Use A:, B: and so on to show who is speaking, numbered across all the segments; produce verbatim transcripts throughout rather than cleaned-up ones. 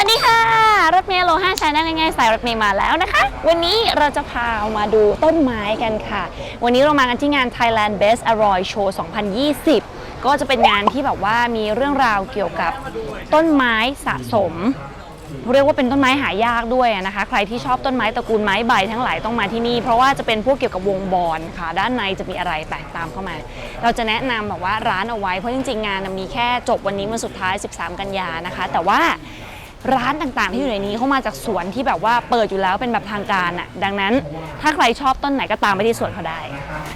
A: วัสดีค่ะรถเมล์โลห้าชาแนลง่ายๆสายรถเมล์มาแล้วนะคะวันนี้เราจะพามาดูต้นไม้กันค่ะวันนี้เรามากันที่งาน Thailand Best Alloy Show สองพันยี่สิบก็จะเป็นงานที่แบบว่ามีเรื่องราวเกี่ยวกับต้นไม้สะสมเรียกว่าเป็นต้นไม้หายากด้วยนะคะใครที่ชอบต้นไม้ตระกูลไม้ใบทั้งหลายต้องมาที่นี่เพราะว่าจะเป็นพวกเกี่ยวกับวงบอลค่ะด้านในจะมีอะไรแตกตามเข้ามาเราจะแนะนำแบบว่าร้านเอาไว้เพราะจริงๆงานมีแค่จบวันนี้วันสุดท้ายสิบสามกันยานะคะแต่ว่าร้านต่างๆที่อยู่ในนี้เข้ามาจากสวนที่แบบว่าเปิดอยู่แล้วเป็นแบบทางการอ่ะดังนั้นถ้าใครชอบต้นไหนก็ตามไปที่สวนเขาได้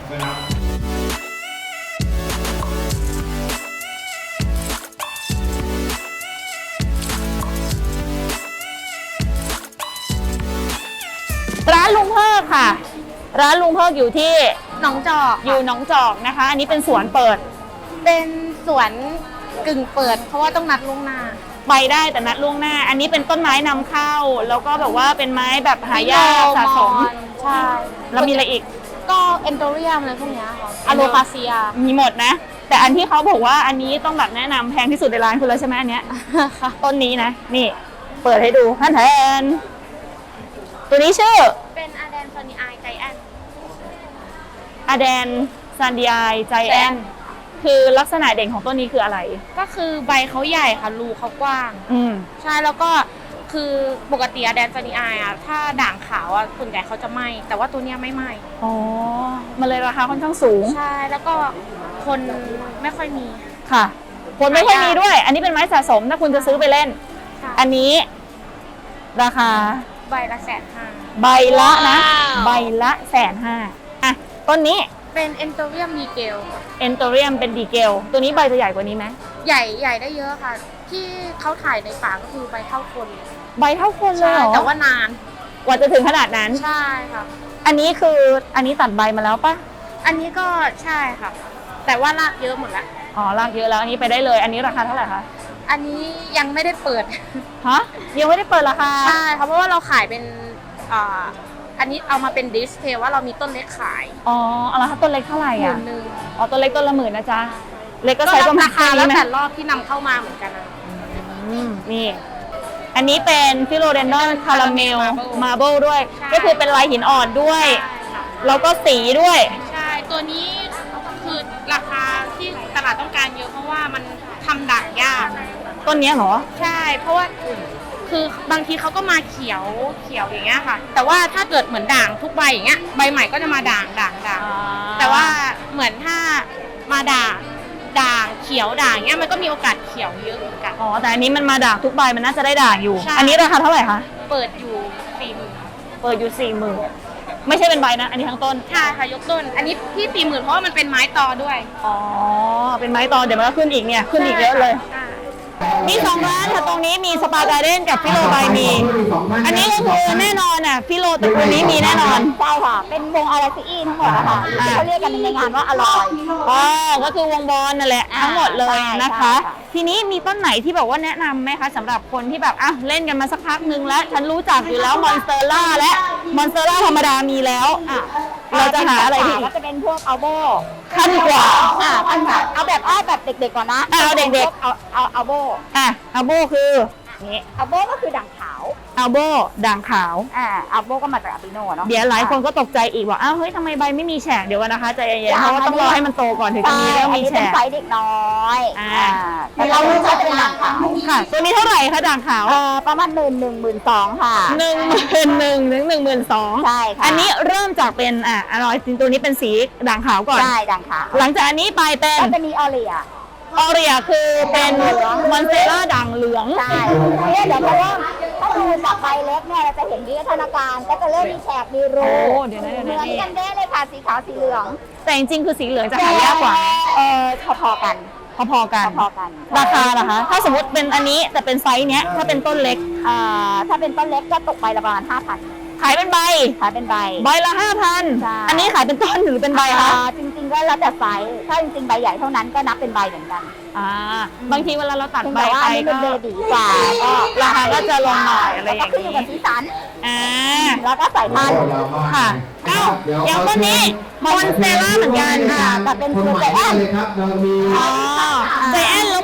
A: ร้านลุงเพิกค่ะร้านลุงเพิกอยู่ที่
B: หนองจอก
A: อยู่หนองจอกนะคะอันนี้เป็นสวนเปิด
B: เป็นสวนกึ่งเปิดเพราะว่าต้องนัดล่วงหน้า
A: ไปได้แต่นัดล่วงหน้าอันนี้เป็นต้นไม้นำเข้าแล้วก็แบบว่าเป็นไม้แบบหายากสะสม
B: ใช่
A: แล้วมีอะไรอีก
B: ก็เอนโดเรียมอะไรพวกนี้ค่ะอะโลคาเซีย
A: มีหมดนะแต่อันที่เขาบอกว่าอันนี้ต้องแบบแนะนำแพงที่สุดในร้านคุณแล้วใช่ไหมอันเนี้ยต้นนี้นะนี่เปิดให้ดูท่านแทนตัวนี้ชื่อ
B: เป็นอาแดนซานิไอใจแอน
A: อาแดนซานดีไอใจแอนคือลักษณะเด่นของต้นนี้คืออะไร
B: ก็คือใบเขาใหญ่ค่ะรูเขากว้าง
A: อืม
B: ใช่แล้วก็คือปกติอาแดนซานิไออ่ะถ้าด่างขาวอ่ะส่วนใหญ่เขาจะไหม้แต่ว่าตัวเนี้ยไม่ไหม้
A: อ๋อมันเลยราคาค่อนข้างสูง
B: ใช่แล้วก็คนไม่ค่อยมี
A: ค่ะคนไม่ค่อยมีด้วยอันนี้เป็นไม้สะสมถ้าคุณจะซื้อไปเล่นอันนี้ราคา
B: ใบละแสนห้า
A: ใบละนะใบละแสนห้าอ่ะต้นนี้
B: เป็นเอนโตเรียมดีเกล
A: เอนโตเรียมเป็นดีเกลตัวนี้ใบจะใหญ่กว่านี้ไหม
B: ใหญ่ใหญ่ได้เยอะค่ะที่เขาถ่ายในป่าก็คือใบเท่าคน
A: ใบเท่าคนเลยเหรอ
B: แต่ว่านาน
A: กว่าจะถึงขนาดนั้น
B: ใช่ค่ะ
A: อันนี้คืออันนี้ตัดใบมาแล้วปะ
B: อันนี้ก็ใช่ค่ะแต่ว่ารากเยอะหมดแล้ว
A: อ๋อรากเยอะแล้วอันนี้ไปได้เลยอันนี้ราคาเท่าไหร่คะ
B: อันนี้ยังไม่ได้เปิด
A: ฮะยังไม่ได้เปิดราคา
B: ใช่เพราะว่าเราขายเป็นอ่าอันนี้เอามาเป็นดิสเพย์ว่าเรามีต้นเล็กขาย
A: อ๋อเอาละค่ะต้นเล็กเท่าไหร่อ่ะ
B: หมื่นหนึ่ง
A: อ๋อต้นเล็กต้นละหมื่นนะจ๊ะเล็กก็ใช้ประมาณ
B: ราคาแล้วแต่รอบที่นำเข้ามาเหมือนกันนะ
A: นี่อันนี้เป็นฟิโลเดนดอนคาราเมลมาร์เบิลด้วยก็คือเป็นลายหินอ่อนด้วยแล้วก็สีด้วย
B: ใช่ตัวนี้คือราคาที่ตลาดต้องการเยอะเพราะว่ามันทำด่างยาก
A: ต้นนี้เหรอ
B: ใช่เพราะว่าคือบางทีเขาก็มาเขียวเขียวอย่างเงี้ยค่ะแต่ว่าถ้าเกิดเหมือนด่างทุกใบอย่างเงี้ยใบใหม่ก็จะมาด่างด่างด่างแต่ว่าเหมือนถ้ามาด่างด่างเขียวด่างเงี้ยมันก็มีโอกาสเขียวเยอะเหมือนกัน
A: อ๋อแต่อันนี้มันมาด่างทุกใบมันน่าจะได้ด่างอยู่อันนี้ราคาเท่าไหร่คะ
B: เปิดอยู่สี่หมื่น
A: เปิดอยู่สี่หมื่นไม่ใช่เป็นใบนะอันนี้ทั้งต้น
B: ใช่ค่ะยกต้นอันนี้ที่สี่หมื่นเพราะว่ามันเป็นไม้ตอด้วย
A: อ๋อเป็นไม้ตอเดี๋ยวมันก็ขึ้นอีกเนี่ยขึ้นอีกเยอะเลยมีสองร้านค่ะตรงนี้มีสปาการ์เด้นกับฟิโลไบมีอันนี้ก็คือแน่นอนอ่ะฟิโลตระกูลนี้มีแน่นอน
C: ใช่ค่ะเป็นวงอาราซีอีทั้งหมดนะคะเขาเรียกกันในงานว่าอร่อย
A: อ๋อก็คือวงบอลนั่นแหละทั้งหมดเลยนะคะทีนี้มีต้นไหนที่แบบว่าแนะนำไหมคะสำหรับคนที่แบบอ่ะเล่นกันมาสักพักนึงแล้วฉันรู้จักอยู่แล้วมอนสเตอร่าและมอนสเตอร่าธรรมดามีแล้วอ่ะเราจะหาอะไรที่
C: ก็จะเป็นพวกอัลโบ
A: ขั้นกว่า
C: อ่าขั้นกว่าเอาแบบอ้อแบบเด็กๆก่อนนะ
A: เอาเด็ก
C: ๆเอาเอาอัลโบ
A: อ่ะอัลโบคือนี่
C: อัลโบก็คือด่างขาว
A: อัลโบด่างขาว
C: อ่าอัลโบก็มาจากอาบิโนเนาะ
A: เดี๋ยวหลายคนก็ตกใจอีกว่าอ้าวเฮ้ยทำไมใบไม่มีแฉกเดี๋ยวกันนะคะใจเย็นๆเพราะว่าต้องรอให้มันโตก่อนถึงจะมีเรื่องมีแฉก
C: ไซส์เด็กน้อย
A: อ่า
C: แต่เรารู้จักเป็นด่างขาว
A: ค่ะตัวนี้เท่าไหร่คะด่างขาว
C: เอ่อประมาณหมื่นหนึ่งหมื่นสองค่ะ
A: หนึ่งหมื่นหนึ่งถึงหนึ่งหมื่นสอง
C: ใช่ค่ะ
A: อันนี้เริ่มจากเป็นอ่ะอร่อยจริงตัวนี้เป็นสีด่างขาวก่อน
C: ใช่ด่างขาว
A: หลังจากอันนี้ไปเป็น
C: ก็จะมีออเรีย
A: ออเรียคือเป็นมอนสเตอร่าด่างเหลือง
C: ใช่เนี่ยเดี๋ยวเพราะว่าถ้าดูจากใบเล็กเนี่ยเราจะเห็นวิวัฒนาการก็จะเริ่มมีแฉกมีรู
A: เดี๋ยวนะ
C: เหมือนกันเด้เลยค่ะสีขาวสีเหลือง
A: แต่จริงๆคือสีเหลืองจะหายากกว่า
C: เออพอๆกัน
A: พอๆกัน
C: พอๆกัน
A: ราคาล่ะคะถ้าสมมติเป็นอันนี้แต่เป็นไซส์เนี้ยถ้าเป็นต้นเล็ก
C: อ่าถ้าเป็นต้นเล็กก็ตกใบละประมาณห้าพัน
A: ขายเป็นใบ
C: ขายเป็นใบ
A: ใบละห้าพันอันนี้ขายเป็นต้นหรือเป็นใบคะ
C: จริงๆก็แล้วแต่ไซส์ถ้าจริงๆใบใหญ่เท่านั้นก็นับเป็นใบเหมือนกัน
A: อ่าบางทีเวลาเราตัดใบไป
C: ก็เบบีกว่าก็
A: ราคาก็จะลงหน่อยอะไรอย่างนี้
C: ขึ้นอยู่กับสีสัน
A: อ่า
C: แล้วก็สายพันธุ์
A: ค่ะเอ้าอย่างต้นนี้มอนสเตอร่าเหมือนกัน
C: ค่ะแต่เป็นตัวใจแอน
A: อ๋อใจแอนแล้ว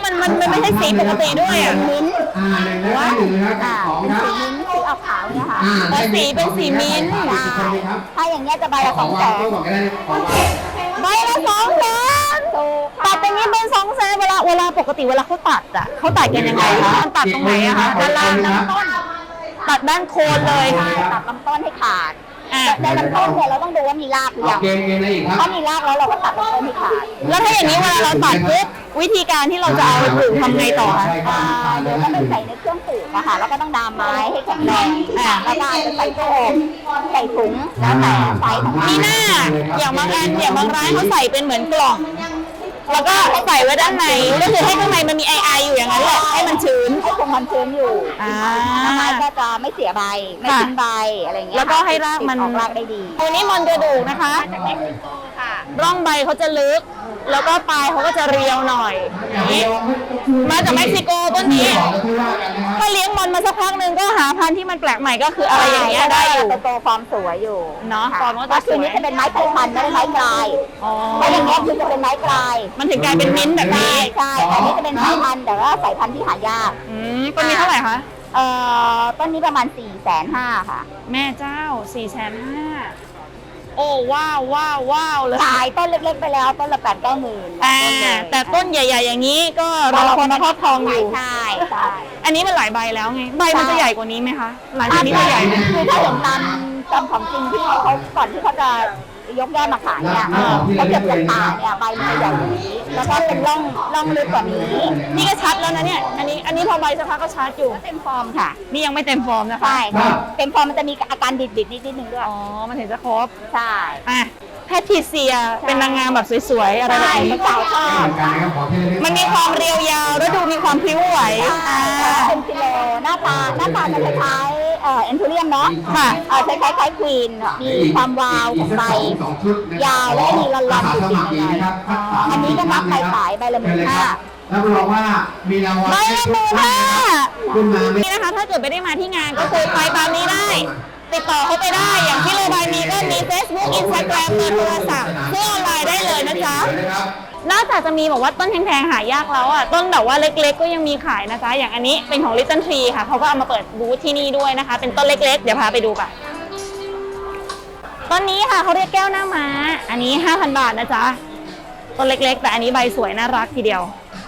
A: มันมันมันไม่ใช่สีปกติด้วยอ่ะ
C: มิ้นท์
D: อ่าหนึ่งและหนึ่งนะครับ
C: อ่า
D: สอง
C: เป็น
D: ครับ
C: สีมิ้นท์สีออกขาวเนี่ยค่ะ
D: อ่า
A: แต่สีเป็นสีมิ้นท์
D: ใช่ครับ
C: ถ้าอย่างเงี้ยจะใบละ
D: ข
C: ส
D: อ
C: อง งแส
D: วาง
C: น
D: ตู้ก่อนก็ได้ของวาง
A: ใบละสองแสน
C: ถูก
A: ตัดอย่างนี้เป็นสองแสนเวลาเวลาปกติเวลาเขาตัดอ่ะเขาตัดกันยังไงคะมันตัดตรงไหนอะคะด้านล่างด้านต้นตัดด้านโคนเลย
C: ใช่ตัดลำต้นให้ขาด
A: อ่ะ
C: ในลำต้นเนี่ยเราต้องดูว่ามีรากหรือ
D: เอา
C: ยัง
D: เกมเกมอะไรอีกครับ
C: ถ้ามีรากแล้วเราก็ตัดลำต้นให้ขาด
A: แล้วถ้าอย่างนี้เวลาเราตัดปุ๊บวิธีการที่เราจะเอาไปปลูกทำไงต่อคะ
C: อ่าเดี๋ยวก็ไปใส่ในเครื่องปลูกอะค่ะแล้วก็ต้องดามไม้ให้แข็งแรงอ่าแล้วก็อาจจะใส่ตู้อบใส่ถุงแล้วแต่ไซส์ของ
A: นี่หน้าอย่างบางอันอย่างบางร้านเขาใส่เป็นเหมือนกล่อง แล้วก็ใส่ไว้ด้านในก็คือให้ข้างในมันมีไอไออยู่อย่างนั้นแหละให้มันชื้น
C: ให้คงความชื้นอยู่
A: อ่า
C: ไม้ก็จะไม่เสียใบไม่ทิ้งใบอะไรเงี้ย
A: แล้วก็ให้รากมัน
C: ออกรากได้ดี
A: ตัวนี้มันกระดูกนะคะ ร่องใบเขาจะลึก แล้วก็ปลายเขาก็จะเรียวหน่อยอย่างนี้มาจากเม็กซิโกต้นนี้ ถ้าเลี้ยงมันมาสักพักหนึ่งก็หาพันธุ์ที่มันแปลกใหม่ก็คืออะไรอย่างเงี้ยได้อยู่
C: จะโตฟอร์มสวยอยู่
A: เนาะ
C: ค่
A: ฟอร์มก็จะ
C: ก็คือนี้จะเป็นไม้ไผ่พันธุ์ไม่ได้ไม้กลาย
A: อ๋อ
C: เพราะอย่างเงี้ยคือจะเป็นไม้กลาย
A: มันถึงกลายเป็นมิ้นท์แบบนี้
C: ใช่แต่อันนี้จะเป็นไม้พันธุ์แต่ว่าสายพันธุ์ที่หายาก
A: อืมต้นนี้เท่าไหร่คะ
C: เอ่อต้นนี้ประมาณ4ี่แสนห้าค่ะ
A: แม่เจ้าสี่แสนห้าโอ้ว้าวว้าวว้าวเลย
C: ขายต้นเล็กๆไปแล้วต้นละแปดเก้าหมื่น
A: อ่าแต่ต้นใหญ่ ๆ อย่างนี้ก็รอคนมาครอบครองอยู่
C: ใช่ใช่
A: อันนี้มันหลายใบแล้วไง ใบมันจะใหญ่กว่านี้ไหมคะ หลังจากนี้จะใหญ่ไหม
C: คือถ้าเห็นตามตามของจริงที่เขาก่อนที่เขาจะยกยอดมาขายเนี่ยเออเขาเก็บจากป่าเนี่ยใบมันจะใหญ่กว่านี้ แล้วก็เป็นร่องร่องลึกกว่านี้
A: นี่ก็ชัดแล้วนะเนี่ย อันนี้อันนี้พอใบสักพักก็ชัดอยู่
C: เต็มฟอร์มค่ะ
A: นี่ยังไม่เต็มฟอร์มนะคะ
C: ใช่ค่ะเต็มฟอร์มมันจะมีอาการดิดๆนิดนิดนึงด้วย
A: อ๋อ มันถึงจะครบ
C: ใช่
A: อ่ะแพทริเซียเป็นนางงามแบบสวยๆ อะไรแบบ
C: ใช่
A: นี้
C: สาวชอบ
A: มันมีความเรียวยาวแล้วดูมีความพลิ้วไหว
C: ใช่
A: อ่า
C: เป็นกิโลหน้าตาหน้าตาจะคล้ายๆเอ่อเอ็นทูเรียมเนาะ
A: ค่ะ
C: เออคล้ายๆคล้ายควีนมีความวาวของใบยาวและมีลอนๆติดๆหน่อยๆอันนี้ก็นับไปขายใบละหมื่นห้า
D: รับรองว่ามีรางวัล
A: ใบละหมื่นห้า
D: ขึ้นมาไม่
A: นี่นะคะ ถ้าเกิดไม่ได้มาที่งานก็คือไปตามนี้ได้ ติดต่อเขาไปได้ อย่างที่โรบายมีก็มี Facebook Instagram เบอร์โทรศัพท์ซื้อออนไลน์ได้เลยนะจ๊ะ นอกจากจะมีบอกว่าต้นแพงๆหายากแล้วอ่ะต้นแบบว่าเล็กๆก็ยังมีขายนะจ๊ะอย่างอันนี้เป็นของ Little Tree ค่ะเขาก็เอามาเปิดบูธที่นี่ด้วยนะคะ เป็นต้นเล็กๆเดี๋ยวพาไปดูกันต้นนี้ค่ะเขาเรียกแก้วหน้าม้าอันนี้ ห้าพัน บาทนะจ๊ะต้นเล็กๆแต่อันนี้ใบสวยน่ารักทีเดียว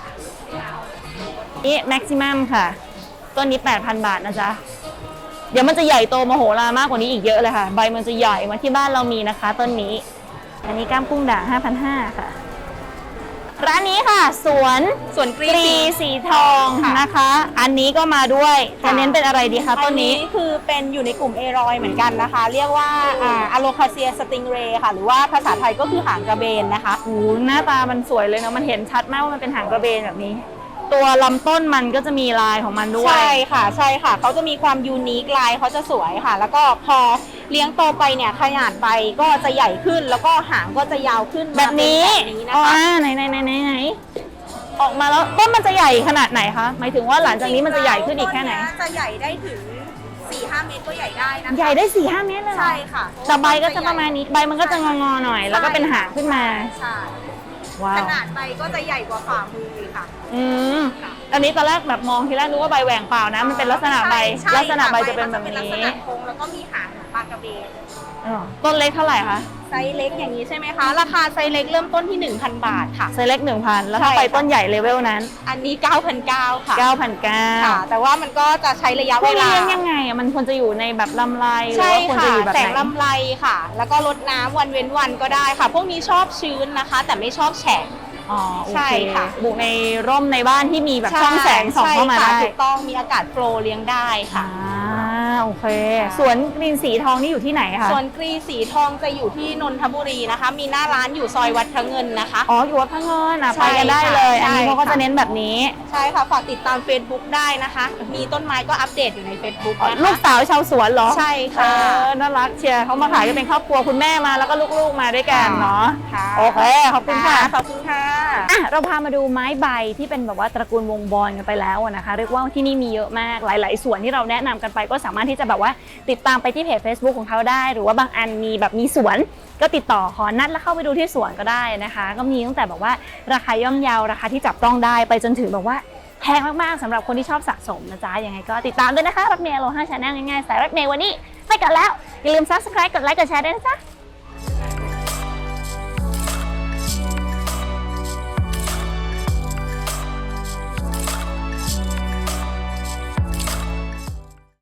A: นี่ Maximum ค่ะต้นนี้ แปดพัน บาทนะจ๊ะเดี๋ยวมันจะใหญ่โตมโหฬารมากกว่านี้อีกเยอะเลยค่ะใบมันจะใหญ่มาที่บ้านเรามีนะคะต้นนี้อันนี้ก้ามกุ้งด่าง ห้าพันห้าร้อย ค่ะร้านนี้ค่ะสวนสวนกรีสีทองนะคะ อันนี้ก็มาด้วยจะเน้นเป็นอะไรดีคะต้นนี้
E: อัคือเป็นอยู่ในกลุ่มเอรอยเหมือนกันนะคะ เรียกว่าอะโลคาเซียสติงเรค่ะ หรือว่าภาษาไทยก็คือหางกระเบนนะคะ
A: โอ้โหหน้าตามันสวยเลยเนาะมันเห็นชัดมากว่ามันเป็นหางกระเบนแบบนี้ ตัวลำต้นมันก็จะมีลายของมันด้วย
E: ใช่ค่ะใช่ค่ะเขาจะมีความยูนิคลายเขาจะสวยค่ะ แล้วก็พอเลี้ยงโตไปเนี่ยขนาดใบก็จะใหญ่ขึ้น แล้วก็หางก็จะยาวขึ้น
A: แบบนี้
E: มาเป็นแบบนี้นะ
A: อ๋อ
E: คะ
A: ไหนไหนไหนไหนไหนออกมาแล้วต้นมันจะใหญ่ขนาดไหนคะหมายถึงว่าหลังจากนี้มันจะใหญ่ขึ้นอีกแค่ไหน
E: ต้จะใหญ่ได้ถึง สี่ห้า เมตรก็ใหญ่ได้นะคะ
A: ใหญ่ได้สี่ห้าเมตรเลยเหรอ
E: ใช่ค่ะ
A: แต่ใบก็จะประมาณนี้ใบมันก็จะงอๆหน่อย แล้วก็เป็นหางขึ้นมา
E: ใช่
A: ว้า
E: ข
A: ว
E: นาดใบก็จะใหญ่กว่าฝ่ามืออีกค่ะ
A: อืมอันนี้ตอนแรกแบบมองทีแรกนึกว่าใบแหว่งเปล่านะ มันเป็นลักษณะใบ
E: ใช่
A: ลักษณะใบ
E: ค่
A: จะเป็นแบบ
E: ใลัก
A: นี้
E: ษณะโค้งแล้วก็มีหางเหมือนปลากระเบน
A: อ๋อต้นเล็กเท่าไหร่คะ
E: ไซส์เล็กอย่างนี้ใช่ไหมคะ ราคาไซส์เล็กเริ่มต้นที่ หนึ่งพัน บาทค่ะ
A: ไซส์เล็กหนึ่งพันแล้วถ้า
E: ใช่
A: ไป
E: ค่ะ
A: ต้นใหญ่เลเวลนั้น
E: อันนี้ เก้าพันเก้าร้อย ค่ะ
A: เก้าพันเก้า
E: ค่ะ แต่ว่ามันก็จะใช้ระยะ
A: พว
E: เว
A: กนี้
E: ลา
A: เลี้ยงยังไงอ่ะมันควรจะอยู่ในแบบลำไรหรือ
E: ใช่
A: ว่าควรจะ
E: ค่ะ
A: อยู่แบบ
E: แส
A: ไห
E: ง
A: น
E: ลำไรค่ะ แล้วก็ลดน้ำวันเว้นวันก็ได้ค่ะ พวกนี้ชอบชื้นนะคะ แต่ไม่ชอบแฉะ
A: อ๋อโอ
E: ใช่
A: เค
E: ค่ะ
A: บุกในร่มในบ้านที่มีแบบช่องแสงส่องเข้ามา
E: ใช่ค่ะ
A: ได้
E: ถูกต้องมีอากาศโฟลว์เลี้ยงได้ค่ะ
A: อ่าโอเคสวนกรีนสีทองนี่อยู่ที่ไหนคะ
E: ส่วนกรีสีทองจะอยู่ที่นนทบุรีนะคะ มีหน้าร้านอยู่ซอยวัดพระเงินนะคะ
A: อ๋ออยู่วัดพระเงินอ่ะ
E: ใช่
A: ไปกันได้เลย อันนี้
E: ใช่
A: เขาก็จะ
E: ค่ะ
A: เน้นแบบนี้
E: ใช่ค่ะ ฝากติดตาม Facebook ได้นะคะ มีต้นไม้ก็อัปเดตอยู่ใน Facebook นะคะ
A: ลูกสาวชาวสวนเหรอ
E: ใช่
A: เอ
E: ค่ะ
A: อน่ารักเชียร์เขามาขายกันเป็นครอบครัวคุณแม่มาแล้วก็ลูกๆมาด้วยกันเนาะ
E: ค่ะ
A: โอเคขอบคุณค่ะ
E: ขอบคุณค่ะ
A: อ่ะเราพามาดูไม้ใบที่เป็นแบบว่าตระกูลวงบอลกันไปแล้วอะนะคะ เรียกว่าที่นี่มีเยอะมากหลาย ๆ ส่วนที่เราแนะนำกันไปก็สามารถที่ที่จะแบบว่าติดตามไปที่เพจ Facebook ของเขาได้หรือว่าบางอันมีแบบมีสวนก็ติดต่อขอนัดแล้วเข้าไปดูที่สวนก็ได้นะคะก็มีตั้งแต่แบบว่าราคาย่อมเยาราคาที่จับต้องได้ไปจนถึงแบบว่าแพงมากๆสำหรับคนที่ชอบสะสมนะจ๊ะยังไงก็ติดตามด้วยนะคะรถเมล์โลห้า Channel ง่ายๆสายรถเมล์วันนี้ไปกันแล้วอย่าลืม Subscribe กดไลค์กดแชร์ด้วยนะจ๊ะ